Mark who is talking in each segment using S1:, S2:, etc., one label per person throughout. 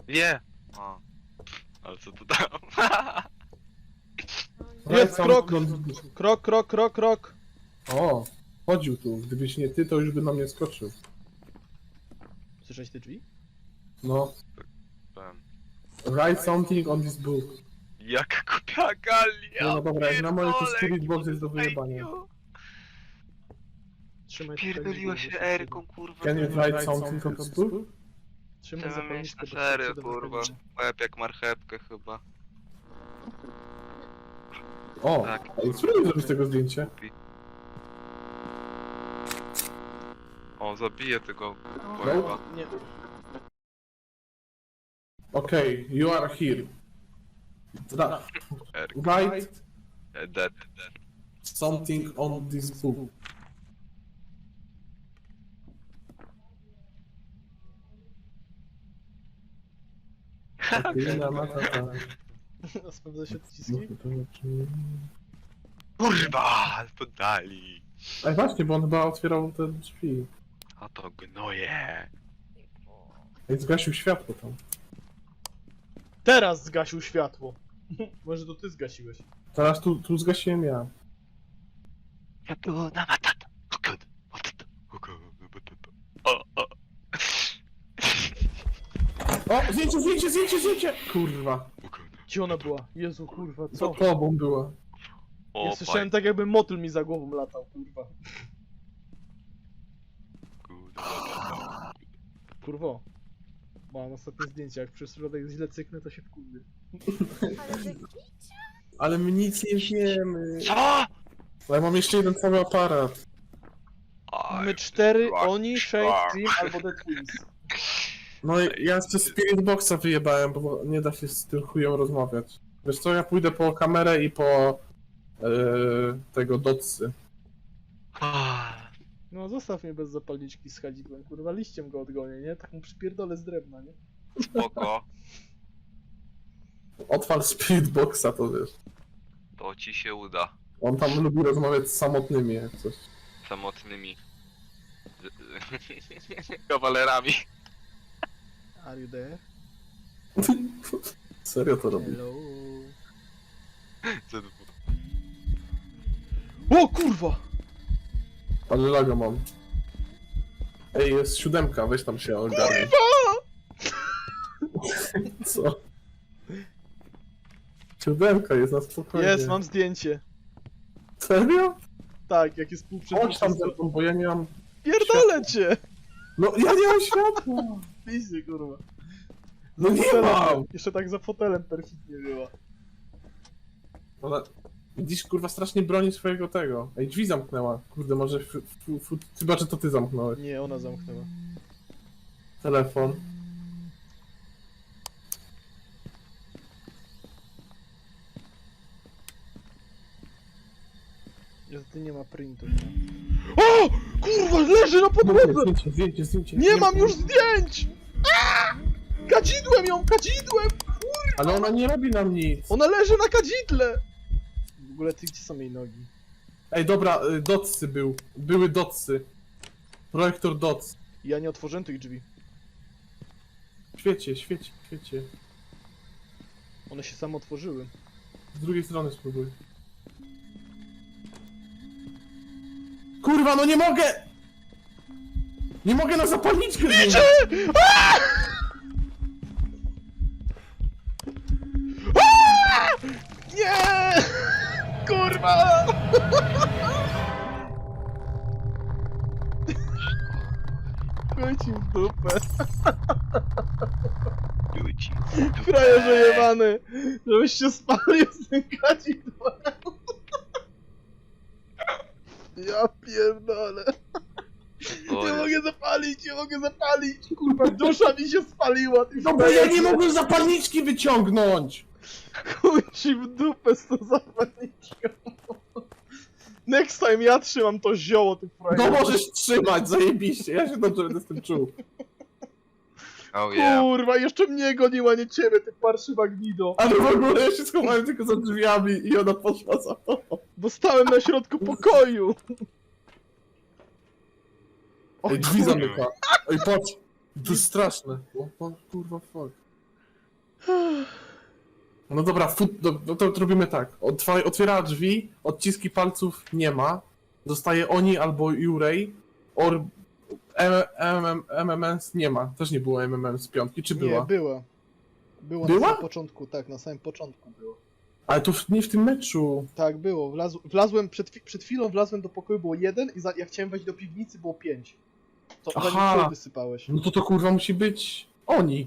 S1: Wie! O. Ale co to tam?
S2: Jest krok!
S3: Krok.
S2: Krok, krok, krok, krok!
S3: O, chodził tu. Gdybyś nie ty, to już by na mnie skoczył.
S2: Słyszałeś te drzwi?
S3: No.
S1: Powiem.
S3: Write something on this book.
S1: Jaka kupia galia!
S3: No dobra, jak na moje to
S1: pierdolę,
S3: Spirit Box jest do
S1: kurwa,
S3: wyjebania.
S1: idiot.
S2: Trzymaj
S1: Pierdoliła się Erką, kurwa.
S3: Can you write something on this book?
S2: Trzymaj
S1: Chcemy mieć
S2: zapalniczkę,
S1: na
S2: bo
S1: serio,
S2: się przyda
S1: kurwa.
S2: zapalniczka.
S1: Łeb jak marchewkę chyba.
S3: O,
S1: Tak.
S3: ej, spróbuj zrobić tego zdjęcie.
S1: O, zabiję tego
S3: No.
S1: łeba.
S2: Nie.
S3: Okej, you are here.
S1: Erka.
S3: Write
S1: Dead.
S3: something on this book. Okej, matata.
S2: Sprawdza się odciski?
S1: Kurwa! Poddali.
S3: Ej, właśnie, bo on chyba otwierał te drzwi.
S1: A to gnoje.
S3: Ej, zgasił światło tam.
S2: Teraz zgasił światło. Może to ty zgasiłeś.
S3: Teraz tu zgasiłem ja.
S1: Ja tu na matata. Okud. O.
S3: O, zdjęcie! Kurwa.
S2: Gdzie ona była? Jezu, kurwa,
S3: Za
S2: co?
S3: tobą była.
S1: O,
S2: Ja słyszałem tak, jakby motyl mi za głową latał, kurwa.
S1: kurwa.
S2: Kurwo. Mam ostatnie zdjęcie, jak przez środek źle cyknę, to się wkurwię.
S4: Ale że
S3: Ale my nic nie wiemy.
S1: Co?
S3: Ale mam jeszcze jeden cały aparat.
S2: Mamy 4,
S1: rock
S2: oni, Shade,
S1: star.
S2: Dream albo The Twins.
S3: No i ja jeszcze Spirit Boxa wyjebałem, bo nie da się z tym chujem rozmawiać. Wiesz co, ja pójdę po kamerę i po tego dotsy.
S2: No zostaw mnie bez zapalniczki z chadzidłem, kurwa, liściem go odgonię, nie? Tak mu przypierdolę z drewna, nie?
S1: Spoko.
S3: Odpal Spirit Boxa, to wiesz.
S1: To ci się uda.
S3: On tam lubi rozmawiać z samotnymi, jak coś.
S1: Samotnymi. Kawalerami.
S2: Are you there?
S3: Serio to robi.
S2: Hello.
S1: Co to
S2: O kurwa!
S3: Ale lago mam. Ej, jest 7, weź tam się ogarnij. Co? 7 jest na spokojnie.
S2: Jest, mam zdjęcie.
S3: Serio?
S2: Tak, jak jest pół
S3: Chodź tam ze mną, bo ja nie mam...
S2: Pierdolę cię!
S3: No ja nie mam światła!
S2: Pizdzie, kurwa.
S3: No nie mam!
S2: Jeszcze tak za fotelem perfidnie była.
S3: Ale... Widzisz, kurwa, strasznie broni swojego tego. Ej, drzwi zamknęła. Kurde, może... Chyba, że to ty zamknąłeś.
S2: Nie, ona zamknęła.
S3: Telefon.
S2: Niestety nie ma printu. O! Kurwa, leży na podłodze!
S3: Zdjęcie.
S2: Nie mam już zdjęć! Aaa! Kadzidłem ją, kadzidłem!
S3: Ale ona nie robi nam nic.
S2: Ona leży na kadzidle! W ogóle ty, gdzie są jej nogi?
S3: Ej, dobra, dotsy był. Były dotsy. Projektor dots.
S2: Ja nie otworzyłem tych drzwi.
S3: Świecie.
S2: One się same otworzyły.
S3: Z drugiej strony spróbuj. Kurwa, no nie mogę! Nie mogę na zapalniczkę zmienić!
S2: Nie! Kurwa! Chuj ci w dupę.
S1: Ludzi.
S2: Frajerze jebany! Żebyś się spalił z tym kadzidłem. Ja pierdolę. Nie mogę zapalić! Kurwa, dusza mi się spaliła! Ty
S3: No bo ja nie mogłem zapalniczki wyciągnąć!
S2: Chuj ci w dupę z tą zapalniczką. Next time ja trzymam to zioło, ty frajerze.
S3: No możesz trzymać, zajebiście, ja się dobrze będę z tym czuł.
S1: Oh yeah.
S2: Kurwa, jeszcze mnie goniła, nie ciebie, ty parszywa gnido.
S3: Ale w ogóle ja się schowałem tylko za drzwiami i ona poszła za tobą.
S2: Bo stałem na środku pokoju.
S3: Ej, drzwi zamyka. Ej, patrz. To jest straszne. O, kurwa, fuck. No dobra, no to robimy tak. Otwiera drzwi, odciski palców nie ma. Zostaje oni albo Jurej. MMS nie ma. Też nie było MMS z piątki, czy była?
S2: Nie, była. Była na
S3: Była?
S2: samym początku, tak, na samym początku było.
S3: Ale to nie w tym meczu.
S2: Tak, było. Wlazłem, przed chwilą wlazłem do pokoju, było 1 i jak chciałem wejść do piwnicy, było 5. To
S3: Aha.
S2: zanim ty wysypałeś.
S3: No to kurwa musi być oni.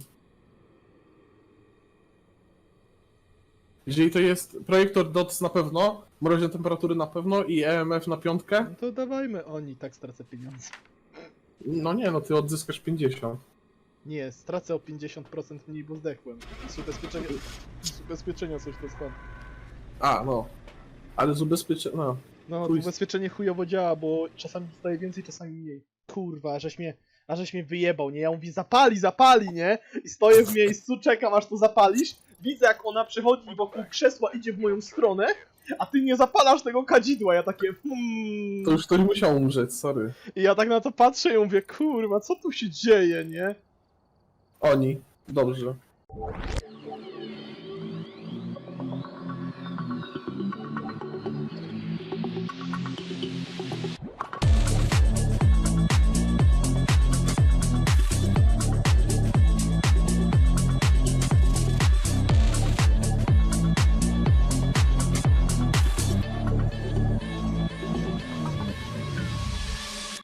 S3: Jeżeli to jest projektor DOTS na pewno, mroźne temperatury na pewno i EMF na piątkę,
S2: No to dawajmy oni, tak stracę pieniądze.
S3: no nie, no ty odzyskasz 50.
S2: Nie, stracę o 50% mniej, bo zdechłem. Z ubezpieczenia coś to skąd.
S3: A, no. Ale z ubezpieczenia, no.
S2: No, to
S3: Chuj.
S2: ubezpieczenie chujowo działa, bo czasami dostaję więcej, czasami mniej. Kurwa, ażeś mnie wyjebał, nie? Ja mówię, zapali, nie? I stoję w miejscu, czekam aż to zapalisz. Widzę jak ona przechodzi wokół krzesła, idzie w moją stronę, a ty nie zapalasz tego kadzidła, ja takie
S3: To już ktoś musiał umrzeć, sorry.
S2: I ja tak na to patrzę i mówię, kurwa, co tu się dzieje, nie?
S3: Oni. Dobrze.